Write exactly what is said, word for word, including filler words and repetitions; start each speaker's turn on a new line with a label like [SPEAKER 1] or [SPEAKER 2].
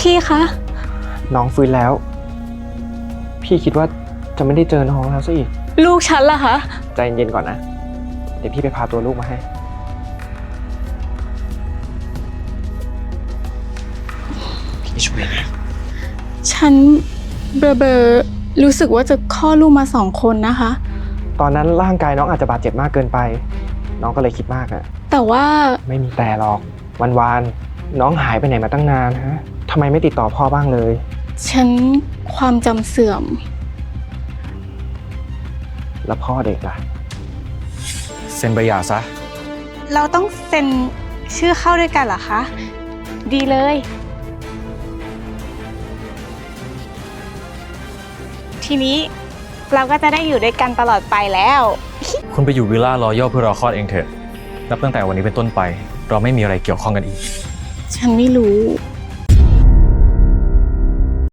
[SPEAKER 1] พี่คะ
[SPEAKER 2] น้องฟื้นแล้วพี่คิดว่าจะไม่ได้เจอน้องแล้วซะอีก
[SPEAKER 1] ลูกฉันล่ะคะ
[SPEAKER 2] ใจเย็นๆก่อนนะเดี๋ยวพี่ไปพาตัวลูกมาให้พี่ช่วยนะ
[SPEAKER 1] ฉันเบอร์เบอร์รู้สึกว่าจะคลอดลูกมาสองคนนะคะ
[SPEAKER 2] ตอนนั้นร่างกายน้องอาจจะบาดเจ็บมากเกินไปน้องก็เลยคิดมากอะ
[SPEAKER 1] แต่ว่า
[SPEAKER 2] ไม่มีแต่หรอกวันๆน้องหายไปไหนมาตั้งนานฮะทำไมไม่ติดต่อพ่อบ้างเลย
[SPEAKER 1] ฉันความจำเสื่อม
[SPEAKER 2] แล้วพ่อเด็กล่ะ
[SPEAKER 3] เซ็นใบหย่าซะ
[SPEAKER 1] เราต้องเซ็นชื่อเข้าด้วยกันเหรอคะดีเลยทีนี้เราก็จะได้อยู่ด้วยกันตลอดไปแล้ว
[SPEAKER 3] คุณไปอยู่วิลล่ารอยัลเพื่อรอคลอดเองเถอะนับตั้งแต่วันนี้เป็นต้นไปเราไม่มีอะไรเกี่ยวข้องกันอีก
[SPEAKER 1] ฉันไม่รู้